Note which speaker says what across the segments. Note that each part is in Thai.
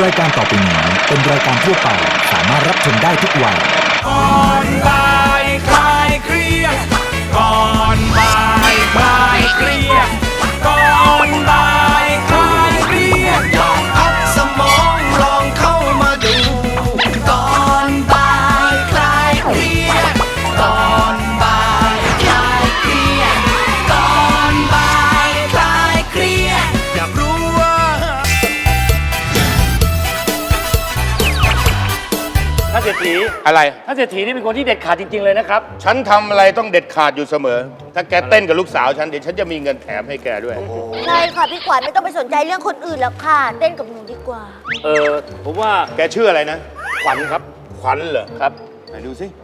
Speaker 1: รายการต่อไปนี้เป็นรายการทั่วไปสามารถรับชมได้ทุกวัย
Speaker 2: ก่อนบ่ายคลายเครียดก่อนบ่ายคลายเครียดก่อนบ่ายคลายเครียดลองพักสมองลองเข้ามาดูก่อนบ่ายคลายเครียดก่อนบ่ายคลายเครียดก่อนบ่ายคลายเครียดอยากรู้ว่า
Speaker 3: ท่านเศรษฐี
Speaker 4: อะไร
Speaker 3: ท่านเศรษฐีนี่เป็นคนที่เด็ดขาดจริงๆเลยนะครับ
Speaker 4: ฉันทำอะไรต้องเด็ดขาดอยู่เสมอ ถ้าแกเต้นกับลูกสาวฉันเดี๋ยวฉันจะมีเงินแถมให้แกด้วย
Speaker 5: ใช่ค่ะพี่ขวัญไม่ต้องไปสนใจเรื่องคนอื่นแล้วค่ะ เต้นกับหนูดีกว่า
Speaker 3: ผมว่า
Speaker 4: แกชื่ออะไรนะ
Speaker 3: ขวัญครับ
Speaker 4: ขวัญเหรอ
Speaker 3: ครับ
Speaker 4: ไหนดูสิ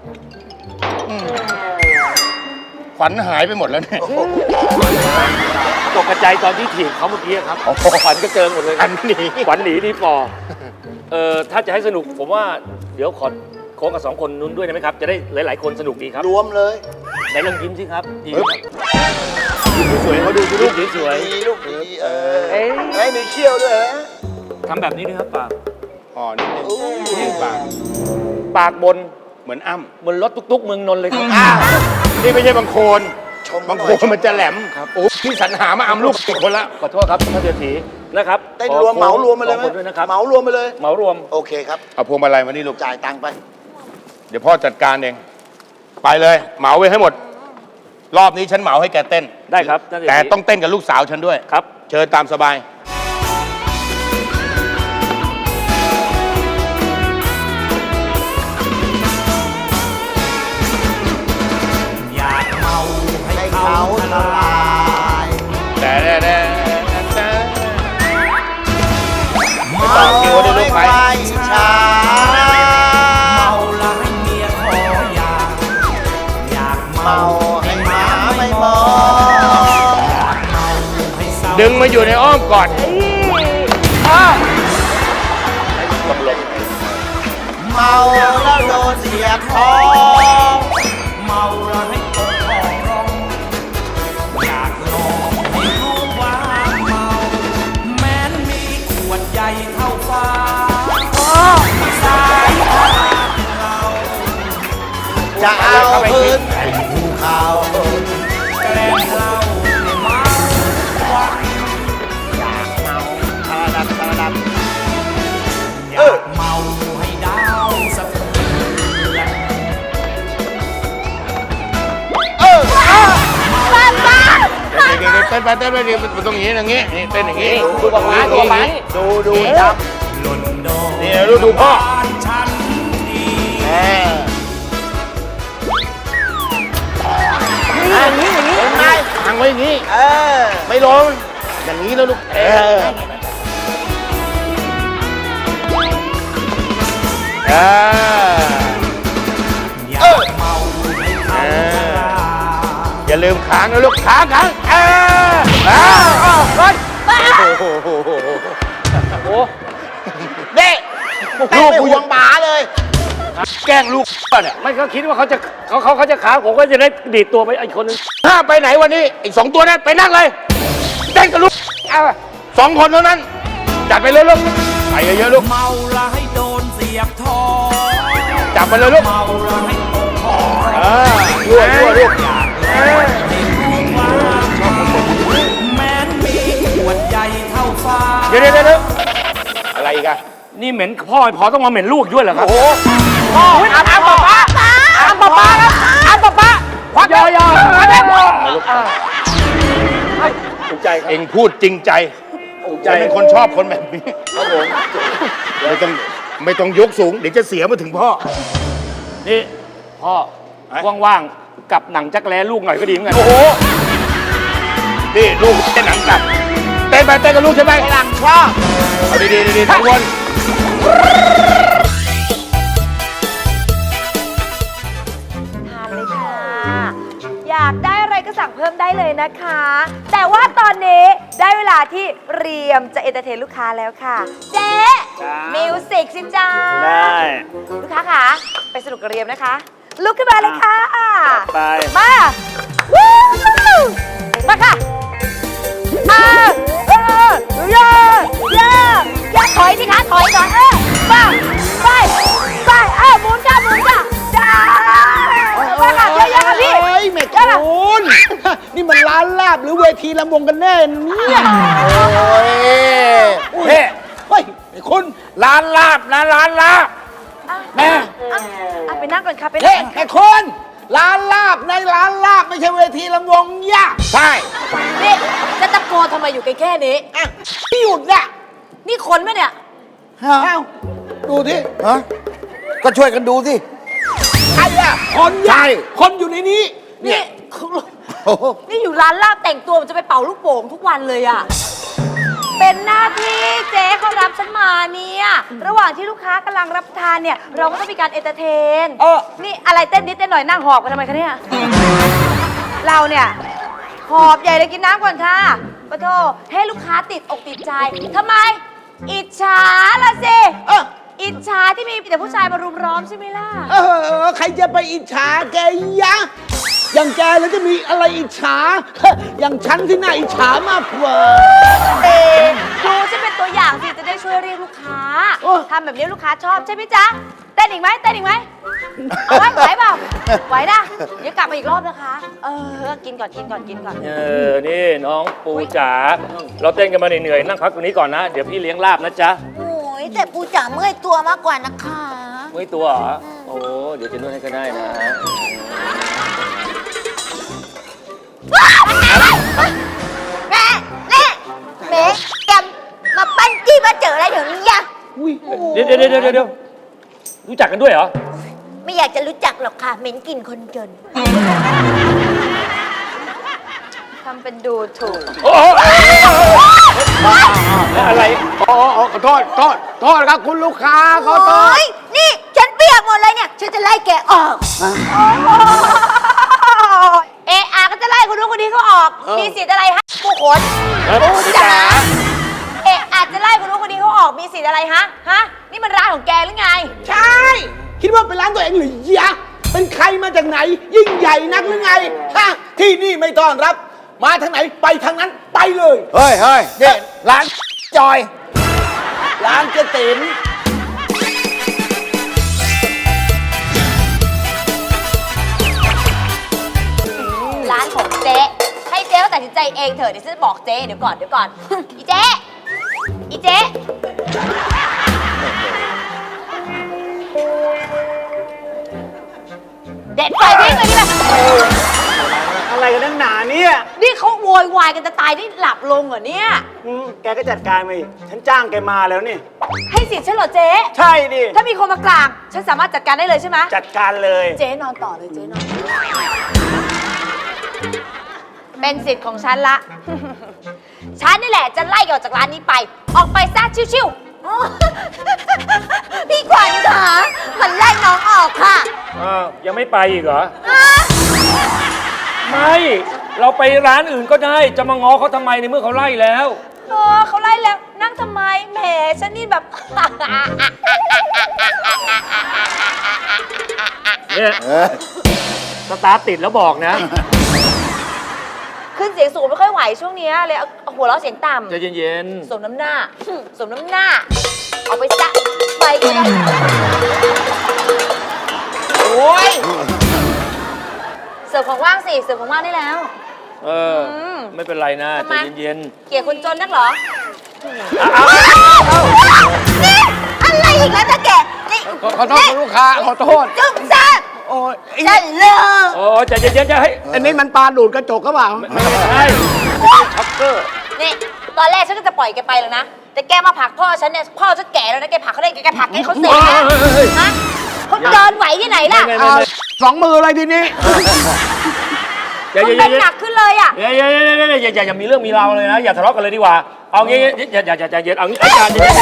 Speaker 4: ขวัญหายไปหมดแล้วเนี่ย
Speaker 3: ตกกระจายตอนที่ถีบเขาเมื่อกี้ครับขวัญก็เจอหมดเลย
Speaker 4: อันนี้
Speaker 3: ขวัญหนีดีฟอถ้าจะให้สนุกผมว่าเดี๋ยวขอโค้งกับ2 คนนู้นด้วยได้ไหมครับ จะได้หลายๆคนสนุกดีครับ
Speaker 6: รวมเลย
Speaker 3: ไหนลองยิ้มสิครับยิ้ม
Speaker 4: สวยๆเขาดูสิ
Speaker 3: ลู
Speaker 4: ลู
Speaker 3: ก
Speaker 4: ก
Speaker 3: สวย
Speaker 6: ดีลูกดีไอ้มีเขี้ยวด้วยเหรอ
Speaker 3: ๆทำแบบนี้ด้วยครับปาก
Speaker 4: อ๋อนิดนึงนี่ปาก
Speaker 3: ปากบน
Speaker 4: เหมือนอ้ำ
Speaker 3: เหมือนรถตุ๊กๆเมืองนนท์เลยครับ
Speaker 4: นี่ไม่ใช่บางโคน
Speaker 6: ชม
Speaker 4: บางโคนมันจะแหลมโอ้พี่สรรหามาอ้ำลูกอีกคนละ
Speaker 3: ขอโทษครับท่านเศรษฐีนะครับ
Speaker 6: เต้นรวมเหมารวมมาเลยไหม
Speaker 3: 2 คนด้วยนะครับ
Speaker 6: เหมารวมไปเลย
Speaker 3: เหมารวม
Speaker 6: โอเคครับ
Speaker 4: เอาพวงมาลัยมานี่ลูก
Speaker 6: จ่ายตังค์ไป
Speaker 4: เดี๋ยวพ่อจัดการเอง ไปเลย เหมาไว้ให้หมด รอบนี้ฉันเหมาให้แกเต้น
Speaker 3: ได้ครับท่านเศรษฐี
Speaker 4: แต่ต้องเต้นกับลูกสาวฉันด้วย
Speaker 3: ครับ
Speaker 4: เชิญตามสบาย
Speaker 2: อยากเมาให้
Speaker 6: ให้
Speaker 2: เขา
Speaker 6: เขา
Speaker 2: ท
Speaker 6: ละ
Speaker 2: ลา
Speaker 6: ลาย
Speaker 4: แต่ไม่ต่อคิวได้ลูกไป
Speaker 6: ช้า
Speaker 2: เมาแล้วให้เมียขออยากเมา
Speaker 6: เมาให้หมาไม่มอง
Speaker 2: เมาให้เศร้า
Speaker 4: ดึงมาอยู่ในอ้อมกอด
Speaker 6: เมาแล้วโดนเสียบท้อง
Speaker 2: เมาแล้วให้ตกคอร้องอยากลองให้รู้ว่าเมาแม้นมีขวดใหญ่เท่าฟ้าสายตาเรา
Speaker 6: จะเอาพื้นเป็นภูเขา
Speaker 2: แกล้งเราให้เมาวัน
Speaker 6: อยากเมาทาดับทาดับ
Speaker 2: อยากเมาให้ดาวสะเทือน
Speaker 4: เต้นไปเต้นไปเดี๋ยวมันต้องอย่างนี้อย่างนี้นี่เต้นอย่างนี้
Speaker 3: ดูกับหมาดูกับหมา
Speaker 4: ดูจับ
Speaker 2: หล่นโดน
Speaker 4: นี่ดูพ่อ
Speaker 2: บ้านฉันดี
Speaker 6: อย่างนี้อย่างนี้เห็นไหม
Speaker 4: ทางไว้อย่างนี้ ไม่ลงอย่างนี้แล้วลูก
Speaker 2: อยากเมาให้เขาชรา
Speaker 4: อย่าลืมค้างนะลูกค้างโอ้
Speaker 6: เด็กเต้นไม่ห่วงหมาเลย
Speaker 4: แกล้งลูกเนี่ย
Speaker 3: ไม่เขาคิดว่าเขาจะขาผมก็จะได้ดีดตัวไปอีกคนนึง
Speaker 4: ถ้าไปไหนวันนี้อีก2 ตัวนั้นไปนั่งเลยเต้นกับลูก2 คนเท่านั้นจัดไปเลยลูกไปเยอะๆลูก
Speaker 2: เมาแล้วให้โดนเสียบทอง
Speaker 4: จับไปเลยลูก
Speaker 2: เมาแล้วให้ตกคอ
Speaker 4: ยั่วลูก
Speaker 2: ให้รู้ว่าแม้นมีขวดใหญ่เท่าฟ้า
Speaker 4: เดี๋ยวอะไรอีกอะ
Speaker 3: นี่เหม็นพ่อพอต้องมาเหม็นลูกด้วยเหรอครับ
Speaker 4: โอ้โห
Speaker 3: พ่ออาบน้ำป๊าป๊าอาบป๊าป๊าแล้วอาบป๊าป๊าควักยอถูกใจครับ
Speaker 4: เอ็งพูดจริงใจ
Speaker 3: ถูกใจ
Speaker 4: ฉันเป็นคนชอบคนแบบนี้ไม่ต้องยกสูงเดี๋ยวจะเสียมาถึงพ่อ
Speaker 3: นี่พ่อว่างๆกับหนังจักรแล้ลูกหน่อยก็ดีเหมือนกัน
Speaker 4: โอ้โหนี่ลูกเต้นหนังกลับเต้นไปเต้นกับลูกใช่ไหม
Speaker 6: หลังชอบ
Speaker 4: เอาดีๆทุกคน
Speaker 5: ทานเลยค่ะ อยากได้อะไรก็สั่งเพิ่มได้เลยนะคะ แต่ว่าตอนนี้ได้เวลาที่เรียมจะเอนเตอร์เทนลูกค้าแล้วค่ะ เจ๊มิวสิกสิจ้า
Speaker 3: ได้
Speaker 5: ลูกค้าค่ะ ไปสนุกกับเรียมนะคะ ลุกขึ้นมาเลยค่ะ
Speaker 3: ไป
Speaker 5: มาวู้มาค่ะย่าถอยสิคะถอยก่อน
Speaker 6: คุณ นี่มันร้านลาบหรือเวทีลำวงกันแน่เนี่ย
Speaker 4: โอ้ยเฮ้
Speaker 6: เฮ้ยไอ้คุณ
Speaker 4: ร้านลาบนะร้านลาบ
Speaker 6: แม่
Speaker 5: อ่ะไปนั่งก่อนค่ะไปนั่
Speaker 6: เฮ้
Speaker 5: งก่อน
Speaker 6: ไอ้คุณร้านลาบในร้านลาบไม่ใช่เวทีลำวงย่า
Speaker 4: ใช่
Speaker 5: นี่จะตะโกนทำไมอยู่แค่นี้
Speaker 6: อ่ะพี่หยุดน่ะ
Speaker 5: นี่คนไหมเนี่ย
Speaker 6: เอ้าดูที่
Speaker 4: ฮะก็ช่วยกันดูสิ
Speaker 6: ใครอะคน
Speaker 4: ใช่
Speaker 6: คนอยู่ในนี้
Speaker 5: นี่
Speaker 4: โอ้โห
Speaker 5: นี่อยู่ร้านลาบแต่งตัวมันจะไปเป่าลูกโป่งทุกวันเลยอะเป็นหน้าที่เจ๊เขารับฉันมาเนี่ยระหว่างที่ลูกค้ากำลังรับประทานเนี่ย เราก็ต้องมีการเอนเตอร์เทน นี่อะไรเต้นนิดเต้นหน่อยนั่งหอบกันทำไมคะเนี่ย เราเนี่ยหอบใหญ่เลยกินน้ำก่อนค่ะปะโทให้ลูกค้าติดอกติดใจทำไม อิจฉาละสิ อิจฉาที่มีแต่ผู้ชายมารุมล้อมใช่ไหมล่ะ
Speaker 6: ใครจะไปอิจฉาแกยะ อย่างแกแล้วจะมีอะไรอิจฉา อย่างฉันที่น่าอิจฉามากกว่า
Speaker 5: ดูฉันเป็นตัวอย่างสิจะได้ช่วยเรียกลูกค้า
Speaker 6: โอ้
Speaker 5: ทำแบบนี้ลูกค้าชอบใช่ไหมจ๊ะเต้นอีกไหมเต้นอีกไหมเอาไว้ไหวเปล่าไหวนะเดี๋ยวกลับมาอีกรอบนะคะ กินก่อนกินก่อนกินก่อน
Speaker 3: นี่น้องปูจ๋าเราเต้นกันมาเหนื่อยๆนั่งพักตรงนี้ก่อนนะ เดี๋ยวพี่เลี้ยงลาบนะจ๊ะ
Speaker 7: โอ้ยแต่ปูจ๋าเมื่อยตัวมากกว่านะคะ
Speaker 3: เมื่อยตัวเหรอโอ้เดี๋ยวจะนวดให้ก็ได้นะ
Speaker 7: แม่แม่แม่แกมาปั้นจี้มาเจออะไรเดี๋ยวนี้อะ
Speaker 3: เดี๋ยวรู้จักกันด้วยเหรอ
Speaker 7: ไม่อยากจะรู้จักหรอกค่ะเหม็นกลิ่นคนจน
Speaker 5: ทำเป็นดูถูก
Speaker 3: อะไร
Speaker 6: ขอโทษครับคุณลูกค้าขอโท
Speaker 7: โอ้
Speaker 6: ษ
Speaker 7: ยนี่ฉันเปียกหมดเลยเนี่ย ฉันจะไล่แกออก
Speaker 5: ก็จะไล่คนนู้นคนนี้เขาออก มีสิทธิ์อะไรฮะผู้คน
Speaker 7: ปูจ๋า
Speaker 5: อาจจะไล่คนนู้นคนนี้เขาออกมีสิทธิ์อะไรฮะนี่มันร้านของแกหรือไง
Speaker 6: ใช่ คิดว่าเป็นร้านตัวเองหรือยะ เป็นใครมาจากไหน ยิ่งใหญ่นักหรือไงฮะที่นี่ไม่ต้อนรับ มาทางไหนไปทางนั้นไปเลย
Speaker 4: เฮ้ยเนี่ยร้านจอย
Speaker 6: ร้านเจ๊ติ๋ม
Speaker 5: ร้านของเจ๊ให้เจ๊เขาตัดสินใจเองเถอะเดี๋ยวฉันจะบอกเจ๊เดี๋ยวก่อนอีเจ๊เด็ดไฟทิ้งเลยดิแบบ
Speaker 8: อะไรกันนักหนาเนี่ย
Speaker 5: นี่เขาโวยวายกันจะตายนี่หลับลงเหรอเนี่ย
Speaker 8: แกก็จัดการมาอีกฉันจ้างแกมาแล้วนี่
Speaker 5: ให้สิทธิ์ฉันเหรอเจ๊
Speaker 8: ใช่ดิ
Speaker 5: ถ้ามีคนมากลางฉันสามารถจัดการได้เลยใช่ไหม
Speaker 8: จัดการเลย
Speaker 5: เจ๊นอนต่อเลยเจ๊นอนเป็นสิทธิ์ของฉันละ ฉันนี่แหละจะไล่แกออกจากร้านนี้ไป ออกไปซะชิว
Speaker 7: พี่ขวัญค่ะมันไล่น้องออกค่ะ
Speaker 3: ยังไม่ไปอีกเหรอ ไม่ เราไปร้านอื่นก็ได้ จะมาง้อเขาทำไมในเมื่อเขาไล่แล้ว
Speaker 5: ๆเขาไล่แล้วนั่งทำไมแหมฉันนี่แบบ
Speaker 3: เนี่ยสตาร์ทติดแล้วบอกนะ
Speaker 5: ขึ้นเสียงสูงไม่ค่อยไหวช่วงเนี้ยเลยเอาหัวเราะเสียงต่
Speaker 3: ใจเย็น
Speaker 5: ำสมน้ำหน้า สมน้ำหน้า เอาไปซะไปก็ได้
Speaker 6: โอ้ย
Speaker 5: เสิร์ฟของว่างสิเสิร์ฟของว่างได้แล้ว
Speaker 3: ไม่เป็นไรนะ
Speaker 5: ทำ
Speaker 3: ใจ
Speaker 5: ไม
Speaker 3: เย็น
Speaker 5: เกลียดคนจนนักเหรอ
Speaker 7: นี่อะไรอีกแล้วนะแกนี่
Speaker 6: ขอโทษคุณลูกค้าขอโทษ
Speaker 7: จุ๊บซ่า
Speaker 6: โอ้ย
Speaker 7: ฉันเลิก
Speaker 3: ๆโอ้ใจเย็นๆจะให้
Speaker 6: อันนี้มันปลาดูดกระจกก็เปล่า
Speaker 3: ไม่ใช่ช็อกเกอร์
Speaker 5: นี่ ตอนแรกฉันก็จะปล่อยแกไปแล้วนะ แต่แกมาผลักพ่อฉันเนี่ย พ่อฉันแก่แล้วนะ แกผลักเขาได้แกผลักให้เขาเสร็จนะฮะเขาเดินไหวที่ไหนล่ะ
Speaker 6: สองมือเลยทีนี้
Speaker 3: อย่า
Speaker 5: เขาเป็นหนักขึ้นเลยอ่ะ
Speaker 3: อย่ามีเรื่องมีราวเลยนะ อย่าทะเลาะกันเลยดีกว่า เอางี้อย่าเย็นเอางี้อย่า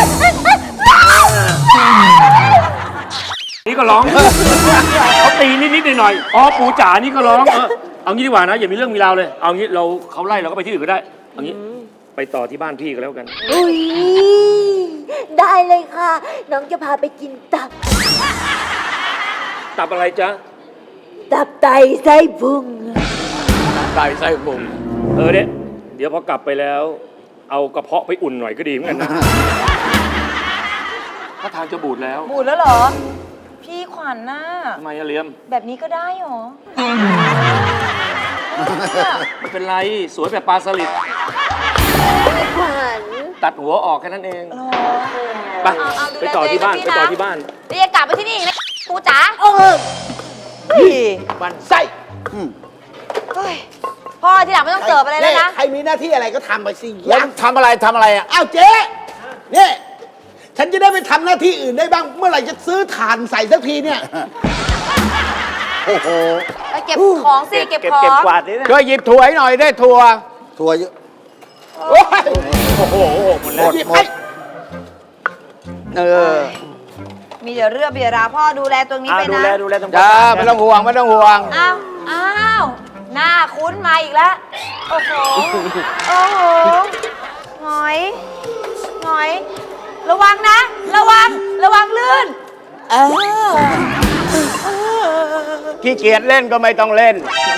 Speaker 3: นี่ก็ร้องเขาตีนิดๆหน่อยๆอ๋อปูจ๋านี่ก็ร้องเอางี้ดีกว่านะ อย่ามีเรื่องมีราวเลย เอางี้เขาไล่เราก็ไปที่อื่นก็ได้ เอางี้ไปต่อที่บ้านพี่ก็แล้วกัน
Speaker 7: อุ้ยได้เลยค่ะ น้องจะพาไปกินตับ
Speaker 3: ตับอะไรจ๊ะ
Speaker 7: ตับไตไส้พุง
Speaker 6: ไก่ไส้พุง
Speaker 3: เนี่ยเดี๋ยวพอกลับไปแล้ว เอากระเพาะไปอุ่นหน่อยก็ดีเหมือนกันนะถ้าทางจะบูดแล้ว
Speaker 5: บูดแล้วเหรอ พี่ขวัญน่ะ
Speaker 3: ทำไมอะเลียม
Speaker 5: แบบนี้ก็ได้เหรอ
Speaker 3: ไม่เป็นไรสวยแบบปลาสลิด
Speaker 7: ขวัญ
Speaker 3: ตัดหัวออกแค่นั้นเอง ไป
Speaker 5: เอา
Speaker 3: ไปต่อที่บ้านไปต่อที่บ้าน
Speaker 5: เรียกกลับไปที่นี่อีกนะปูจ๋า
Speaker 6: มันไส้
Speaker 5: เฮ้ยพ่อที่หลังไม่ต้องเสิร์ฟอะไรแล้วนะ
Speaker 6: ใครมีหน้าที่อะไรก็ทำไปสิ
Speaker 4: แล้วทำอะไรอ่ะ
Speaker 6: อ้าวเจ๊เนี่ยฉันจะได้ไปทำหน้าที่อื่นได้บ้าง เมื่อไหร่จะซื้อถ่านใส่สักทีเนี่ย
Speaker 4: โอ้โห
Speaker 5: ไปเก็บของสิเก็บของ
Speaker 8: เก็บกวาดนี่นะ
Speaker 4: ช่วยหยิบถั่วให้หน่อยได้ถั่วเยอะ
Speaker 6: โอ้ย
Speaker 8: โอ้โหหมดแล้ว
Speaker 6: หยิบให้
Speaker 5: มีเดี๋ยวเรื่องเบียราพ่อดูแลตรงนี้ไป
Speaker 8: ดู
Speaker 5: นะ
Speaker 8: แลดูแลตรง
Speaker 4: จ้าไม่ต้องห่วงไม่ต้องห่วง
Speaker 5: อ้าวหน้าคุ้นมาอีกแล้ว โอ้โห โอ้โหหงอย ระวังนะ ระวังลื่น
Speaker 4: ขี้เกียจเล่นก็ไม่ต้องเล่น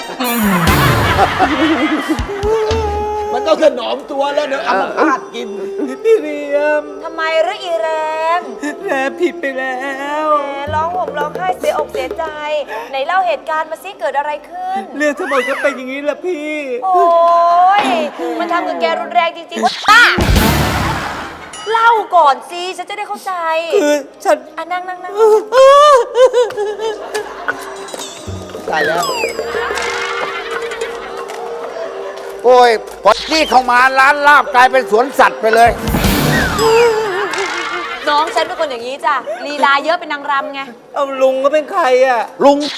Speaker 6: มันต้องถนอมตัวแล้วเดี๋ยวเอามาพาดกิน
Speaker 8: พี่เรียม
Speaker 5: ทำไมหรืออีแรม
Speaker 8: แม่ผิดไปแล้ว
Speaker 5: แหมร้องห่มร้องไห้เสียอกเสียใจ ไหนเล่าเหตุการณ์มาสิเกิดอะไรขึ้น
Speaker 8: เรื่องทั้งหมดก็เป็นอย่างนี้แหละพี่
Speaker 5: โอ้ย มันทำกับแกรุนแรงจริงๆป้าเล่าก่อนสิฉันจะได้เข้าใจ
Speaker 8: คือฉัน
Speaker 5: นั่ง
Speaker 6: ตายแล้ว
Speaker 4: โอ้ยพอที่เข้ามาร้านลาบกลายเป็นสวนสัตว์ไปเลย
Speaker 5: น้องฉันเป็นคนอย่างนี้จ้ะลีลาเยอะเป็นนางรำไง
Speaker 8: เอาลุงก็เป็นใครอ่ะ
Speaker 4: ลุง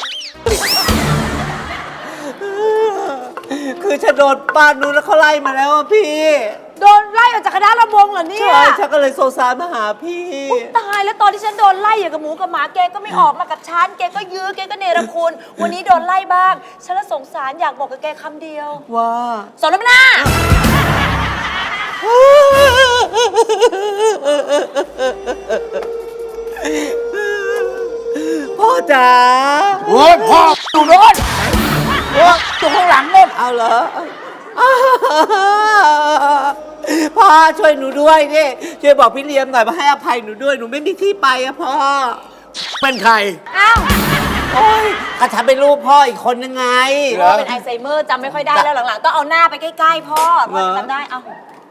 Speaker 8: คือฉันโดนป้านู้นแล้วเขาไล่มาแล้วอะพี่
Speaker 5: โดนไล่ออกจากคณะรำวงเหรอเนี่ย
Speaker 8: ใช่ฉันก็เลยโซซานมาหาพี่
Speaker 5: ตายแล้วตอนที่ฉันโดนไล่อย่างกับหมูกับหมาแกก็ไม่ออกมากับฉันแกก็ยื้อแกก็เนรคุณ วันนี้โดนไล่บ้างฉันละสงสารอยากบอกกับแกคำเดียว
Speaker 8: ว่า
Speaker 5: สอนน้ำหน้า
Speaker 8: พ่อจ๋า
Speaker 4: โอ้ยพ่ออยู่โน่นโอ้ยอยู่ข้างหลังโน่น
Speaker 8: เอาเหรอพ่อช่วยหนูด้วยดิช่วยบอกพี่เลี้ยมหน่อยมาให้อภัยหนูด้วยหนูไม่มีที่ไปอะพ่อ
Speaker 4: เป็นใคร
Speaker 5: อ้าว
Speaker 8: โอ้ยก็ฉันเป็นลูกพ่ออีกคนนึงไง
Speaker 5: พ่อเป็นไอไซเมอร์จำไม่ค่อยได้แล้วหลังๆต้องเอาหน้าไปใกล้ๆพ่อจะจำได้เอา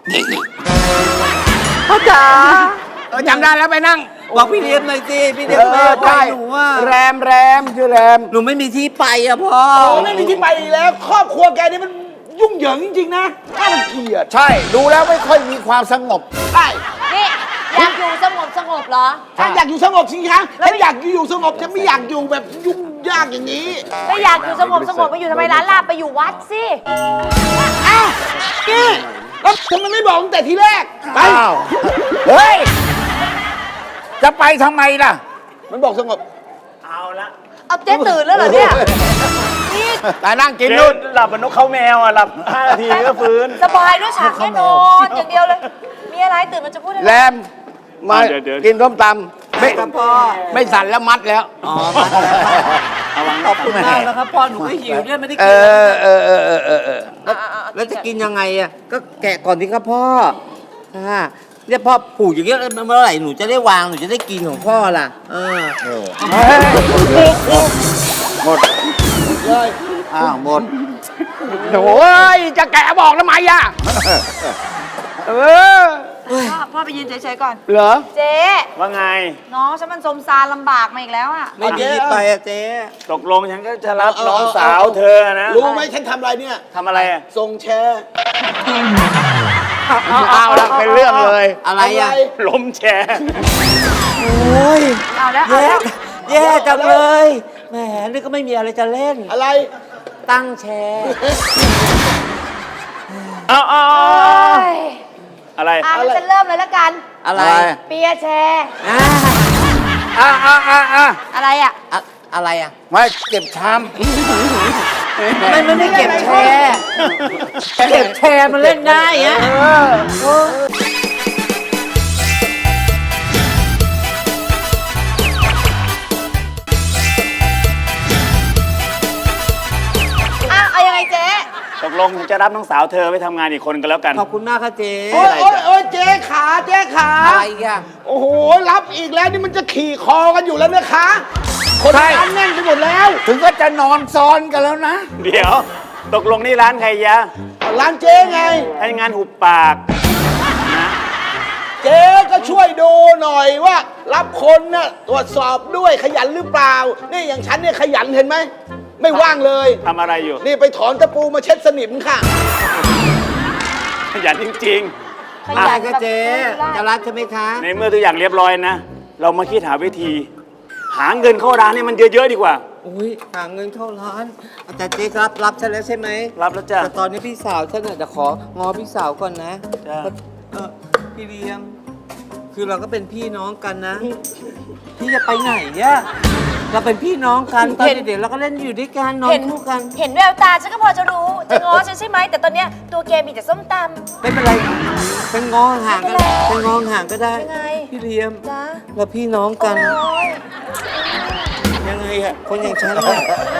Speaker 8: พ่อจ๋า
Speaker 4: จำได้แล้วไปนั่ง
Speaker 8: บอกพี่เลี้ยมหน่อยสิพี่เลี้ยมไม่ให้อภัยหนูอะ
Speaker 4: แรมชื่อแรม
Speaker 8: หนูไม่มีที่ไปอะพ่อ
Speaker 6: โอ้ไม่มีที่ไปอีกแล้ว ครอบครัวแกนี่มันยุ่งเหยิงจริงๆนะน่ารังเกียจ
Speaker 4: ใช่ ดูแล้วไม่ค่อยมีความสงบ
Speaker 6: ใช่
Speaker 5: นี่อยากอยู่สงบเหรอ
Speaker 6: ถ้าอยากอยู่สงบสิคะถ้าอยากอยู่สงบจะไม่อยากอยู่แบบยุ่งยากอย่างนี้
Speaker 5: ไม่อยากอยู่สงบไปอยู่ทำไมร้านลาบไปอยู่วัดสิ
Speaker 6: อ้าวนี่แล้วทำไมไม่บอกตั้งแต่ทีแรก ไป
Speaker 4: อ้าว เฮ้ย จะไปทำไมล่ะ
Speaker 6: มันบอกสงบ
Speaker 8: เอาละ
Speaker 5: เอาเจ๊ตื่นแล้วเหรอเนี่ยนี่
Speaker 4: แต่นั่งกิน
Speaker 8: เจ๊
Speaker 4: นู่น
Speaker 8: หลับเหมือนนกเขาแมวอะหลับ5 นาทีก็ฟื้น
Speaker 5: สบายด้วยฉากแน่นอนอย่างเดียวเลย มีอะไรตื่นมันจะพูดอะไร
Speaker 4: แรมมา
Speaker 8: เดี๋ยว
Speaker 4: กินส้มตำไม่
Speaker 8: ครับพ่อ
Speaker 4: ไม่สั่นแล้วมัดแล้ว
Speaker 8: อ๋อมาแล้วขอบคุณมากนะครับพ่อหนูก็หิวด้วยไม่ได้
Speaker 4: เอ
Speaker 8: กินแล้วแล้วจะกินยังไงอะก็แกะก่อนสิครับพ่อเนี่ยพ่อปลูกอย่างเงี้ยเมื่อไหร่หนูจะได้วางหนูจะได้กินของพ่อล่ะ
Speaker 4: หมดเลยอ้าวหมดโอ้ยจะแกะบอกทำไมอ่ะเออ
Speaker 5: พ่อไปยืนเฉยๆก่อน
Speaker 4: เหรอ
Speaker 5: เจ๊
Speaker 8: ว่าไง
Speaker 5: น้องฉันมันสมซารลำบากมาอีกแล้วอ่ะ
Speaker 8: ไม่มีที่ไปอะเจ๊ตกลงฉันก็จะรับน้องสาวเธอนะ
Speaker 6: รู้ไหมฉันทำอะไรเนี่ย
Speaker 8: ทำอะไรอะ
Speaker 6: ทรงแชร์
Speaker 4: เอาละเป็นเรื่องเลย
Speaker 8: อะไรอะ ล้มแชร์
Speaker 5: เอาแล้วเอา
Speaker 8: แย่
Speaker 5: แล้ว
Speaker 8: แย่จังเลยแหมนี่ก็ไม่มีอะไรจะเล่น
Speaker 6: อะไร
Speaker 8: ตั้งแชร์
Speaker 5: เอ้ย
Speaker 8: อะไร
Speaker 5: งั้นฉันเริ่มเลยแล้วกัน
Speaker 8: อะไร
Speaker 5: เปียร์แชร์ อะไรอ่ะ
Speaker 8: อะไรอะ
Speaker 4: ไม่เก็บชาม
Speaker 8: ไม่เก็บแชร์เก็บแชร์มันเล่นได้อะ
Speaker 5: เอายังไงเจ๊
Speaker 8: ตกลงจะรับน้องสาวเธอไปทำงานอีกคนกันแล้วกัน ขอบคุณมากค่ะเจ๊
Speaker 6: โอ้ยเจ๊ขาเจ๊ขา
Speaker 8: อะไรอีกอะ
Speaker 6: โอ้โห รับอีกแล้วนี่มันจะขี่คอกันอยู่แล้วนะคะ คน
Speaker 4: ใช่
Speaker 6: ร้านแน่นไปหมดแล้ว
Speaker 4: ถึงก็จะนอนซ้อนกันแล้วนะ
Speaker 8: เดี๋ยว
Speaker 2: ตกลงนี่ร้านใครยะ
Speaker 6: ร้านเจ๊ไง
Speaker 2: ให้งานหุบปากนะ
Speaker 6: เจ๊ก็ช่วยดูหน่อยว่า รับคนน่ะตรวจสอบด้วยขยันหรือเปล่า นี่อย่างฉันเนี่ยขยันเห็นไหม ไม่ว่างเลย
Speaker 2: ทำอะไรอยู่
Speaker 6: นี่ไปถอนตะปูมาเช็ดสนิมค่ะ
Speaker 2: ขยันจริง
Speaker 5: ข
Speaker 8: อะไร
Speaker 5: ยัน
Speaker 8: ก็เจ๊จะรับใช่ไหมคะ
Speaker 2: ๆ ในเมื่อทุกอย่างเรียบร้อยนะ เรามาคิดหาวิธี หาเงินเข้าร้านให้มันเยอะๆดีกว่า
Speaker 8: อุ้ยหาเงินเข้าร้านแต่เจ๊รับฉันแล้วใช่ไหม
Speaker 2: รับแล้วจ้ะ
Speaker 8: แต่ตอนนี้พี่สาวฉันน่ะจะของอพี่สาวก่อนนะ
Speaker 2: จ้ะ
Speaker 8: พี่เลี้ยง คือเราก็เป็นพี่น้องกันนะ พี่จะไปไหนเนี่ยเราเป็นพี่น้องกันตอนเด็กๆเราก็เล่นอยู่ด้วยกันนอนคู่กัน
Speaker 5: เห็นแววตาฉันก็พอจะรู้ จะง้อฉันใช่ไหม แต่ตอนเนี้ยตัวแกมีแต่ส้มตำ
Speaker 8: ไม่เป็นไรเป็นงอห่างก็ได้เป็นงอห่างก็ได้
Speaker 5: ยังไง
Speaker 8: พี่เลี้ยง
Speaker 5: จ้า
Speaker 8: เราพี่น้องกัน
Speaker 5: โอ๊ย
Speaker 8: ยังไงอะคนอย่างฉันอะ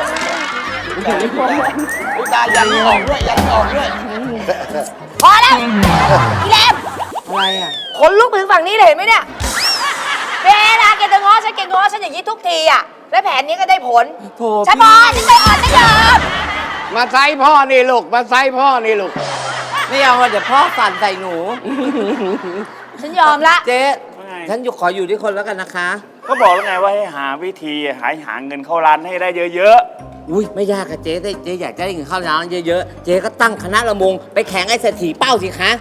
Speaker 6: อุตายันออกด้วยยันออกด้วย
Speaker 5: พอแล้วอีแหลม
Speaker 8: อะไรอะ
Speaker 5: ขนลุกไปถึงฝั่งนี้เลยเห็นไหมเนี่ยเวลาแกจะง้อฉันแกง้อฉันอย่างนี้ทุกทีอ่ะ และแผนนี้ก็ได้ผล
Speaker 8: โถ
Speaker 5: ฉันพอฉันไปอ่อนฉันยอม
Speaker 4: มาไซพ่อนี่ลูก มาไซพ่อนี่ลูก
Speaker 8: ไม่เอาอะเดี๋ยวพ่อสั่นใส่หนู
Speaker 5: ฉันยอมละ
Speaker 8: เจ๊
Speaker 2: ว่าไง
Speaker 8: ฉันขออยู่ด้วยคนแล้วกันนะคะ
Speaker 2: ก็บอกแล้วไงว่าให้หาวิธีหาเงินเข้าร้านให้ได้เยอะ
Speaker 8: อุ้ยไม่ยากอะเจ๊เจ๊อยากจะได้เงินเข้าร้านเยอะๆ เจ๊ก็ตั้งคณะระมงไปแข่งไอ้เศรษฐีเป้าสิคะ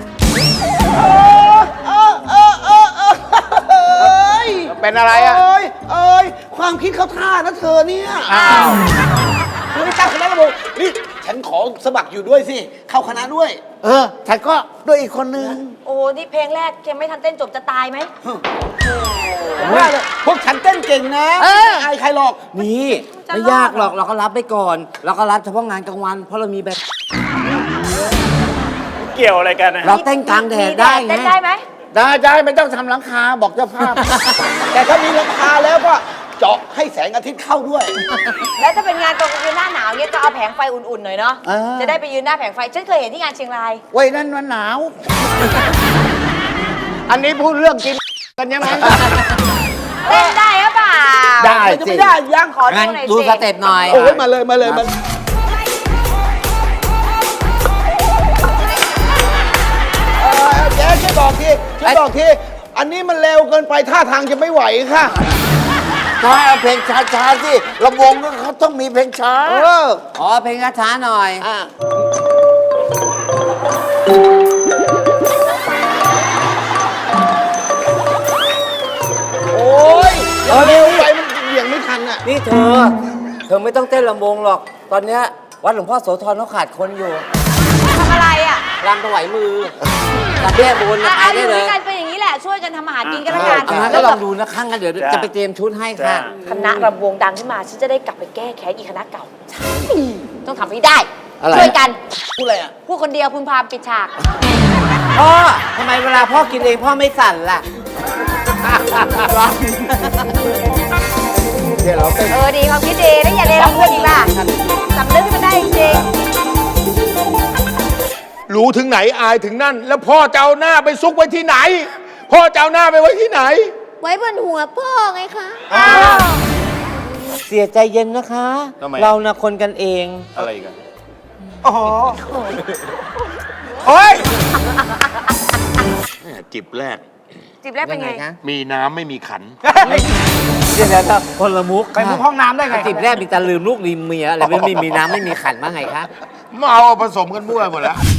Speaker 4: เป็นอะไรอะ
Speaker 6: เอ้ย ความคิดเขาท่านะเธอเนี่ย
Speaker 4: อ้าว
Speaker 6: คุณไม่ตั้งคณะระบบนี่ฉันขอสมัครอยู่ด้วยสิ เข้าคณะด้วย
Speaker 4: ฉันก็ด้วยอีกคนนึง
Speaker 5: โอ้นี่เพลงแรกแกไม่ทันเต้นจบจะตายไหม
Speaker 6: ว่าเลยพวกฉันเต้นเก่งนะไม่อายใครหรอก
Speaker 8: นี่
Speaker 5: จะ
Speaker 8: ไม่
Speaker 5: รอด
Speaker 8: ยากหรอกเราก็รับไปก่อน เราก็รับเฉพาะงานกลางวัน เพราะเรามีแบบ
Speaker 2: ๆ เกี่ยวอะไรกันนะ
Speaker 8: เราเต้นกลางแดดได้ไง
Speaker 5: เต้นได้ไหม
Speaker 4: ได้ไม่ต้องทำหลังคาบอกเจ้าภาพ
Speaker 6: แต่ถ้ามีราคาแล้วก็เจาะให้แสงอาทิตย์เข้าด้วย
Speaker 5: แล้วถ้าเป็นงานตอนกลางคืนหน้าหนาวเนี่ยก็เอาแผงไฟอุ่นๆหน่อยเนาะ
Speaker 4: เออ
Speaker 5: จะได้ไปยืนหน้าแผงไฟ ฉันเคยเห็นที่งานเชียงราย
Speaker 4: ไว้นั่นมันหนาว อันนี้พูดเรื่องกินกันใช่ไหม
Speaker 5: เต้นได้หรือเปล่า
Speaker 4: ได้
Speaker 6: จะไม่ได้ยัง
Speaker 5: ขอดู
Speaker 8: งั้น
Speaker 5: หน่อย
Speaker 8: ดู
Speaker 5: สิ
Speaker 8: สเต็ปหน่อย
Speaker 6: โอ้ยมาเลยมาเลยมาแกช่วยบอกทีช่วยบอกทีอันนี้มันเร็วเกินไปท่าทางจะไม่ไหวค่ะ
Speaker 4: ต้องให้เอาเพลงช้าๆสิลำวงก็เขาต้องมีเพลงช้า
Speaker 8: อ๋อเพลงช้าๆหน่อย
Speaker 6: โอ้ยเร็วไปมันเหวี่ยงไม่ทันอ่ะ
Speaker 8: นี่เธอไม่ต้องเต้นลำวงหรอก ตอนเนี้ยวัดหลวงพ่อโสธรเขาขาดคนอยู่
Speaker 5: ทำอะไรอ่ะ
Speaker 8: รำถวายมือกับแม่บุญ
Speaker 5: อ่ะ
Speaker 8: ไป
Speaker 5: อ
Speaker 8: ได้
Speaker 5: ยู่
Speaker 8: เล
Speaker 5: ด้วย ยกันเป็นอย่างนี้แหละ ช่วยกันทำอาหารกินกันละกัน
Speaker 8: เอางั้นก็ลองดูนะข้างกันเดี๋ยวจะไปเตรียมชุดให้ค่ะ
Speaker 5: คณะรำวงดังขึ้นมา ฉันจะได้กลับไปแก้แค้นอีกคณะเก่า ใช่ ต้องทำให้ได้
Speaker 4: อะไร
Speaker 5: ช่วยกัน
Speaker 6: พูดอะไรอ่ะ
Speaker 5: พูดคนเดียวพึมพำปิดฉาก
Speaker 8: พ่อทำไมเวลาพ่อกินเองพ่อไม่สั่นล่ะ
Speaker 4: เดี๋ยวเราเต้น
Speaker 5: ดีความคิดดีแล้วอย่าเลวกับเพื่อนอีกล่ะสำนึกให้มันได้จริง
Speaker 9: รู้ถึงไหนอายถึงนั่น แล้วพ่อจะเอาหน้าไปซุกไว้ที่ไหน พ่อจะเอาหน้าไปไว้ที่ไหน
Speaker 7: ไว้บนหัวพ่อไงคะ
Speaker 8: เสียใจเย็นนะคะ
Speaker 9: ทำไม
Speaker 8: เรานะคนกันเอง
Speaker 9: อะไรกันโอ้ยแหม่จิบแรก
Speaker 5: ๆจิบแรกเป็นไง
Speaker 8: คะ
Speaker 9: มีน้ำไม่มีขัน
Speaker 8: เดี๋ยวนะคนละมุก
Speaker 4: ไปมุกห้องน้ำได้ไง
Speaker 8: จิบแรกมีแต่ลืมลูกลืมเมียอะไรไม่มีน้ำไม่มีขันบ้างไงคะ
Speaker 9: เมาผสมกันมั่วหมดแล้ว